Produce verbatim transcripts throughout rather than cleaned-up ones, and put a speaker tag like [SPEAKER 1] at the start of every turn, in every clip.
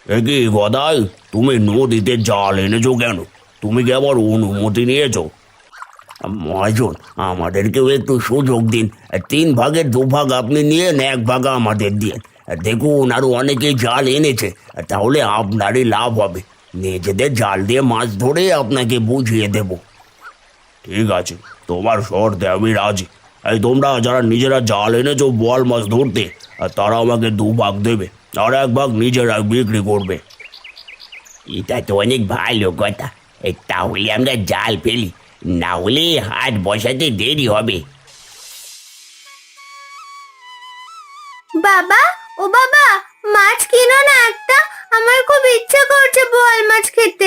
[SPEAKER 1] এ কি গদাই, তুমি নদীতে জাল এনেছো কেন? তুমি কি আবার অনুমতি নিয়েছো? মহাজন, আমাদেরকেও একটু সুযোগ দিন। তিন ভাগের দু ভাগ আপনি নিয়ে এক ভাগ আমাদের দিন। দেখুন, আরো অনেকেই জাল এনেছে, তাহলে আপনারই লাভ হবে। নিজেদের জাল দিয়ে মাছ ধরে আপনাকে বুঝিয়ে দেব। ঠিক আছে, তোমার শর্তে আমি রাজি। এই তোমরা যারা নিজেরা জাল এনেছো বোয়াল মাছ ধরতে, আর তারা আমাকে দু ভাগ দেবে, আর এক ভাগ নিজেরা বিক্রি করবে।
[SPEAKER 2] এটা তো অনেক ভালো কথা। এই তাহলে আমরা জাল ফেলি, না হলে হাট বসাতে দেরি হবে।
[SPEAKER 3] বাবা, ও বাবা, মাছ কিনো না একটা, আমার খুব ইচ্ছা করছে বোয়াল মাছ খেতে।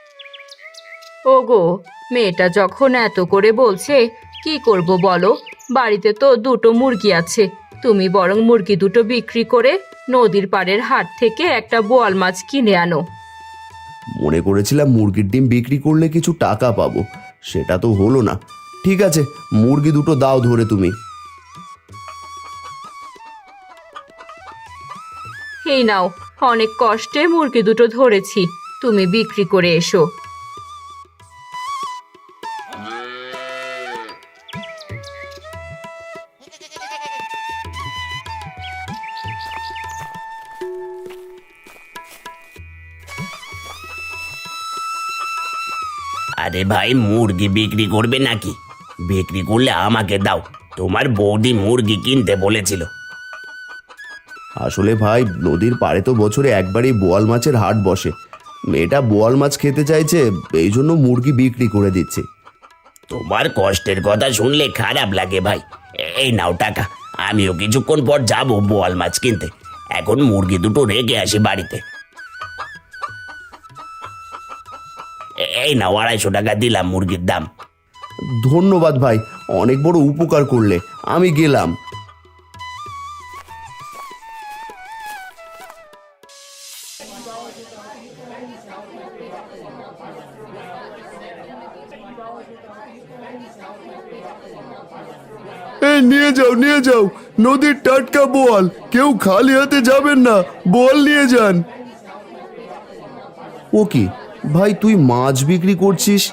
[SPEAKER 4] ওগো, মেয়েটা যখন এত করে বলছে কি করব বলো? বাড়িতে তো দুটো মুরগি আছে, তুমি বরং মুরগি দুটো বিক্রি করে নদীর পাড়ের হাট থেকে একটা বোয়াল মাছ কিনে আনো।
[SPEAKER 5] মনে করেছিলাম মুরগির ডিম বিক্রি করলে কিছু টাকা পাবো, সেটা তো হলো না। ঠিক আছে, মুরগি দুটো দাও ধরে তুমি।
[SPEAKER 4] এই নাও, অনেক কষ্টে মুরগি দুটো ধরেছি, তুমি বিক্রি করে এসো।
[SPEAKER 2] আরে ভাই, মুরগি বিক্রি করবে নাকি? বিক্রি করলে আমাকে দাও, তোমার বৌদি মুরগি কিনতে বলেছিল।
[SPEAKER 5] আসলে ভাই, নদীর পাড়ে তো বছরে একবারই বোয়াল মাছের হাট বসে। মেয়েটা বোয়াল মাছ খেতে চাইছে, এই জন্য মুরগি বিক্রি করে দিচ্ছে।
[SPEAKER 2] তোমার কষ্টের কথা শুনলে খারাপ লাগে ভাই। এই নাও টাকা, আমিও কিছুক্ষণ পর যাব বোয়াল মাছ কিনতে। এখন মুরগি দুটো রেখে আসি বাড়িতে। এই নাও, আড়াইশো টাকা দিলাম মুরগির দাম।
[SPEAKER 5] ধন্যবাদ ভাই, অনেক বড় উপকার করলে। আমি গেলাম। এই নিয়ে যাও, নিয়ে যাও, নদীর টাটকা বোয়াল। কেউ খালি হাতে যাবেন না, বোয়াল নিয়ে যান। ও কি ভাই, তুই মাছ বিক্রি করছিস?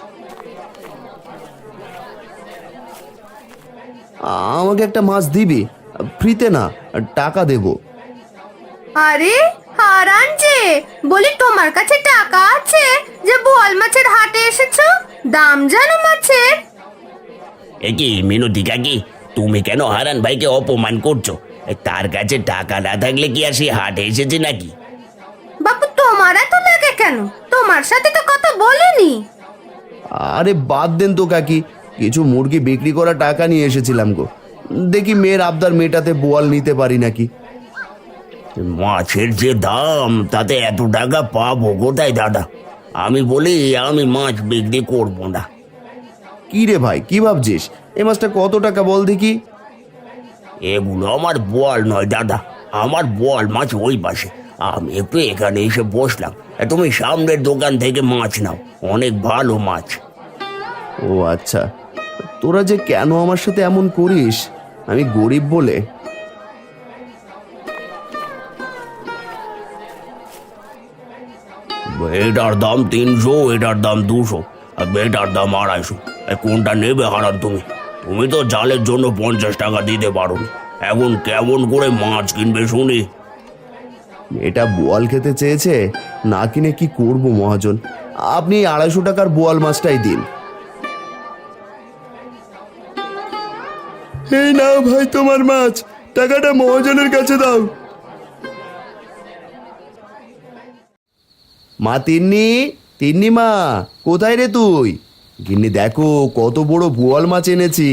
[SPEAKER 5] আমাকে একটা মাছ দিবি? ফ্রিতে না, টাকা দেব।
[SPEAKER 3] আরে হারান যে, বলি তোমার কাছে টাকা আছে যে বোয়াল মাছের হাটে এসেছো? দাম জানো মাছের?
[SPEAKER 2] এ কি মিনতি কাকি, তুমি কেন হারান ভাইকে অপমান করছো? তার কাছে টাকা না থাকলে কি আর সে হাটে এসেছে নাকি?
[SPEAKER 3] বাপু, তোমার এত লাগে কেন? তোমার সাথে তো কথা বলিনি।
[SPEAKER 5] আরে বাদ দেন তো কাকি, কিছু মুরগি বিক্রি করা টাকা নিয়ে এসেছিলাম গো। দেখি মেয়ের আবদার মেটাতে বোয়াল নিতে পারি নাকি।
[SPEAKER 1] মাছের যে দাম, তাতে এত টাকা পাবো কোথায় দাদা? আমি বলি আমি মাছ বিক্রি করবো না।
[SPEAKER 5] কি রে ভাই, কি ভাবছিস? এই মাছটা কত টাকা বল দেখি।
[SPEAKER 1] এগুলো আমার বোয়াল নয় দাদা, আমার বোয়াল মাছ ওই পাশে। আমি একটু এখানে এসে বসলাম, তুমি সামনের দোকান থেকে মাছ নাও, অনেক ভালো মাছ।
[SPEAKER 5] ও আচ্ছা, তোরা যে কেন আমার সাথে এমন করিস? আমি গরিব বলে?
[SPEAKER 1] এটার দাম তিনশো, এটার দাম দুশো, আর এটার দাম আড়াইশো। কোনটা নেবে হারান তুমি? তুমি তো জালের জন্য পঞ্চাশ টাকা দিতে পারো, এখন কেমন করে মাছ কিনবে শুনি?
[SPEAKER 5] এটা বোয়াল খেতে চেয়েছে, না কিনে কি করব মহাজন? আপনি আড়াইশো টাকার বোয়াল মাছটাই দিন। এই নাও ভাই তোমার মাছ, টাকাটা মহাজনের কাছে দাও। মা তিন্নি, তিন্নি মা, কোথায় রে তুই? গিন্নি দেখো কত বড় বোয়াল মাছ এনেছি।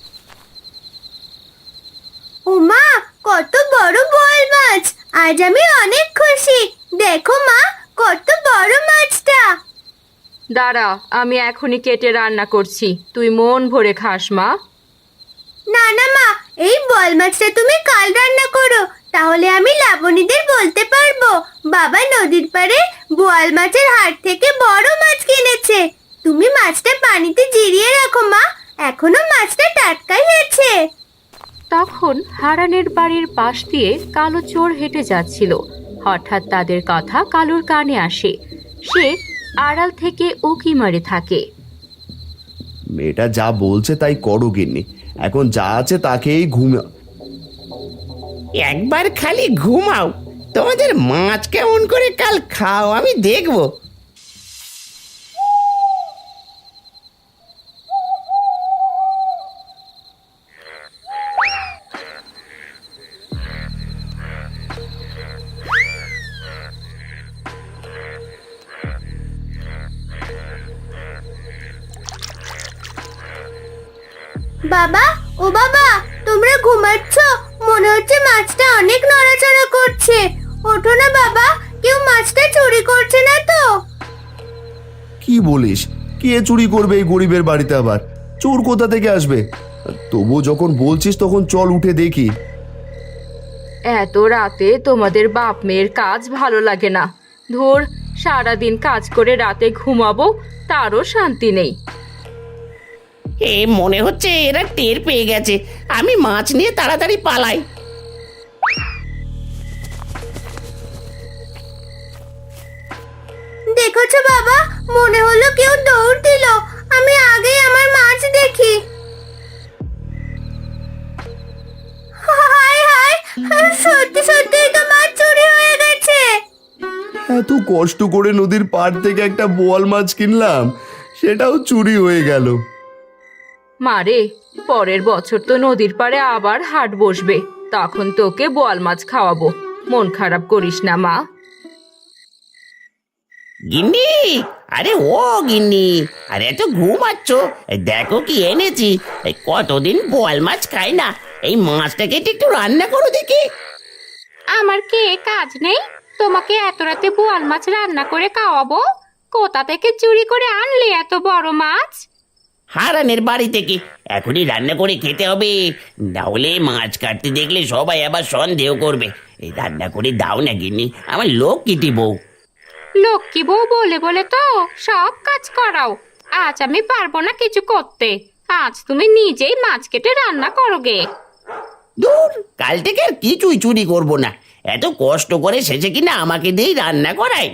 [SPEAKER 3] ও মা, কত বড় বোয়াল মাছ! আজ আমি অনেক খুশি। দেখো মা, কত বড় মাছটা।
[SPEAKER 4] দাঁড়া, আমি এখনই কেটে রান্না করছি, তুই মন ভরে খাস মা।
[SPEAKER 3] না না মা, এই বোয়াল মাছটা তুমি কাল রান্না করো, তাহলে আমি লাবণীদের বলতে পারবো বাবা নদীর পাড়ে বোয়াল মাছের হাট থেকে বড় মাছ কিনেছে। তুমি মাছটা পানিতে জিরিয়ে রাখো মা, এখনো মাছটা টাটকাই আছে।
[SPEAKER 4] তখন হারানের বাড়ির পাশ দিয়ে কালো চোর হেঁটে যাচ্ছিল। হঠাৎ তাদের কথা কালুর কানে আসে। সে আড়াল থেকে উকি মারে থাকে।
[SPEAKER 5] মেয়েটা যা বলছে তাই করো গিন্নি, এখন যা আছে তাকেই ঘুমা।
[SPEAKER 2] একবার খালি ঘুমাও, তোমাদের মাছ কেমন করে কাল খাও আমি দেখবো।
[SPEAKER 3] বাবা, ও বাবা, তোমরা ঘুমাচ্ছ? মনে হচ্ছে মাছটা অনেক নড়াচড়া করছে। ওঠো না বাবা, কেউ মাছটা চুরি করছে না তো?
[SPEAKER 5] কি বলিস? কে চুরি করবে এই গরিবের বাড়িতে? আবার চোর কোথা থেকে আসবে? তবু যখন বলছিস তখন চল উঠে দেখি।
[SPEAKER 4] এত রাতে তোমাদের বাপ মেয়ের কাজ ভালো লাগে না। ধুর, সারাদিন কাজ করে রাতে ঘুমাবো, তারও শান্তি নেই।
[SPEAKER 2] এ মনে হচ্ছে এরা টের পেয়ে গেছে, আমি মাছ নিয়ে তাড়াতাড়ি পালাই।
[SPEAKER 3] দেখেছো বাবা, মনে হলো কেউ দৌড় দিল। আমি আগেই আমার মাছ দেখি। হায় হায়, সত্যি সত্যি তো মাছ চুরি হয়ে গেছে।
[SPEAKER 5] এত কষ্ট করে নদীর পাড় থেকে একটা বোয়াল মাছ কিনলাম, সেটাও চুরি হয়ে গেল।
[SPEAKER 4] মারে, পরের বছর তো নদীর পাড়ে আবার হাট বসবে, তখন তোকে বোয়াল মাছ খাওয়াবো। মন খারাপ করিস না মা।
[SPEAKER 2] গিন্নি, আরে ও গিন্নি, আরে এত ঘুমাচ্ছ? এই দেখো কি এনেছি। এই কতদিন বোয়াল মাছ খাই না, এই মাছটাকে একটু রান্না করো দেখি।
[SPEAKER 6] আমার কি কাজ নেই? তোমাকে এত রাতে বোয়াল মাছ রান্না করে খাওয়াবো? কোথা থেকে চুরি করে আনলে এত বড় মাছ?
[SPEAKER 2] হারানের বাড়ি থেকে। এখনই রান্না করে খেতে হবে, না হলে মাছ কাটতে দেখলে সবাই আবার সন্দেহ করবে। এই রান্না করে দাও না গিন্নি, আমার লোক কিটি বউ।
[SPEAKER 6] লক্ষ্মী বউ বলে বলে তো সব কাজ করাও। আজ আমি পারবো না কিছু করতে। আজ তুমি নিজেই মাছ কেটে রান্না করো গে।
[SPEAKER 2] দূর, কাল থেকে আর কিছুই চুরি করব না। এত কষ্ট করে শেষে কিনা আমাকে দিয়েই রান্না করায়।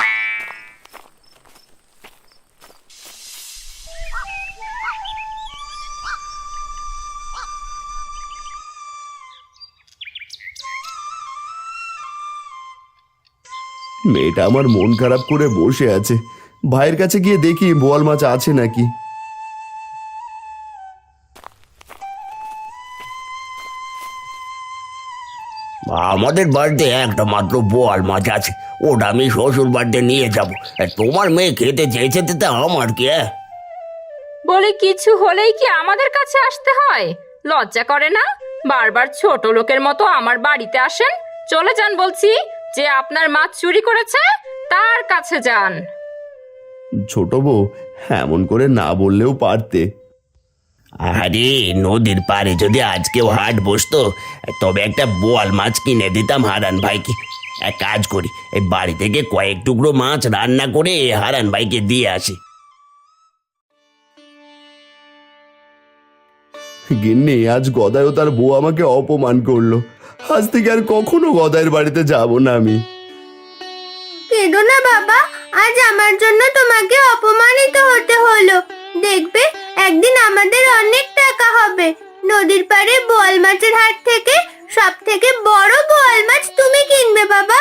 [SPEAKER 5] মেয়েটা আমার মন খারাপ করে বসে আছে। ভাইয়ের কাছে গিয়ে দেখি বোয়াল মাছ আছে নাকি।
[SPEAKER 1] আমাদের বাড়িতে একটা মাত্র বোয়াল মাছ আছে, ওটা আমি শ্বশুর বাড়িতে নিয়ে যাব। তোমার মেয়ে খেতে চেয়েছে, তা আমার কি?
[SPEAKER 4] বলে কিছু হলেই কি আমাদের কাছে আসতে হয়? লজ্জা করে না? বারবার ছোট লোকের মতো আমার বাড়িতে আসেন। চলে যান বলছি। যে আপনার মাছ চুরি করেছে তার কাছে যান।
[SPEAKER 5] ছোট বউ, এমন করে না বললেও পারতে।
[SPEAKER 1] আরে, নদীর পাড়ে যদি আজকেও হাট বসতো, তবে একটা বোয়াল মাছ কিনে দিতাম হারান ভাইকে। এক কাজ করি, এই বাড়ি থেকে কয়েক টুকরো মাছ রান্না করে হারান ভাইকে দিয়ে আসি।
[SPEAKER 5] গিন্নি, আজ গদায়ও তার বউ আমাকে অপমান করলো। আজ থেকে আর কখনো গদায়ের বাড়িতে যাব না আমি।
[SPEAKER 3] কেঁদো না বাবা, আজ আমার জন্য তোমাকে অপমানিত হতে হলো। দেখবে একদিন আমাদের অনেক টাকা হবে। নদীর পাড়ে বোয়াল মাছের হাট থেকে সব থেকে বড় বোয়াল মাছ তুমি কিনবে বাবা।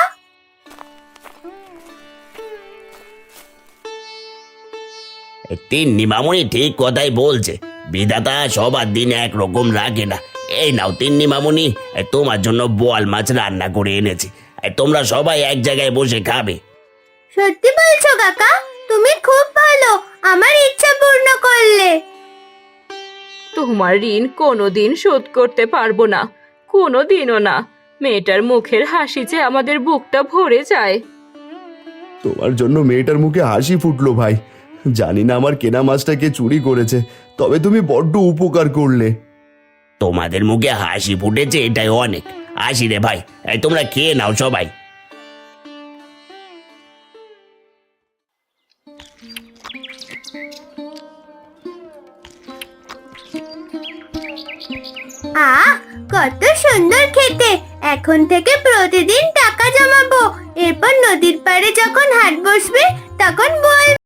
[SPEAKER 1] তিন্নি মামুনি ঠিক কথাই বলছে, বিধাতা সবার দিন একরকম রাখে না। এই নাও তিন্নি মামুনি, তোমার জন্য বোয়াল মাছ রান্না করে এনেছি, তোমরা সবাই এক জায়গায় বসে খাবে।
[SPEAKER 3] সত্যি বলছো কাকা? তুমি খুব ভালো, আমার ইচ্ছা পূর্ণ করলে।
[SPEAKER 4] তোমার ঋণ কোনোদিন শোধ করতে পারবো না, কোনোদিনও না। মেয়েটার মুখের হাসি যে আমাদের বুকটা ভরে যায়।
[SPEAKER 5] তোমার জন্য মেয়েটার মুখে হাসি ফুটলো ভাই। জানি না আমার কেনা মাছটা কে চুরি করেছে, তবে তুমি বড্ড উপকার করলে।
[SPEAKER 1] তোমাদের মুখে হাসি ফুটেছে, এটাই অনেক। আসি রে ভাই, এই তোমরা খেয়ে নাও সবাই।
[SPEAKER 3] আহ, কত সুন্দর খেতে। এখন থেকে প্রতিদিন টাকা জমাবো, নদীর পাড়ে যখন হাট বসবে তখন বোয়াল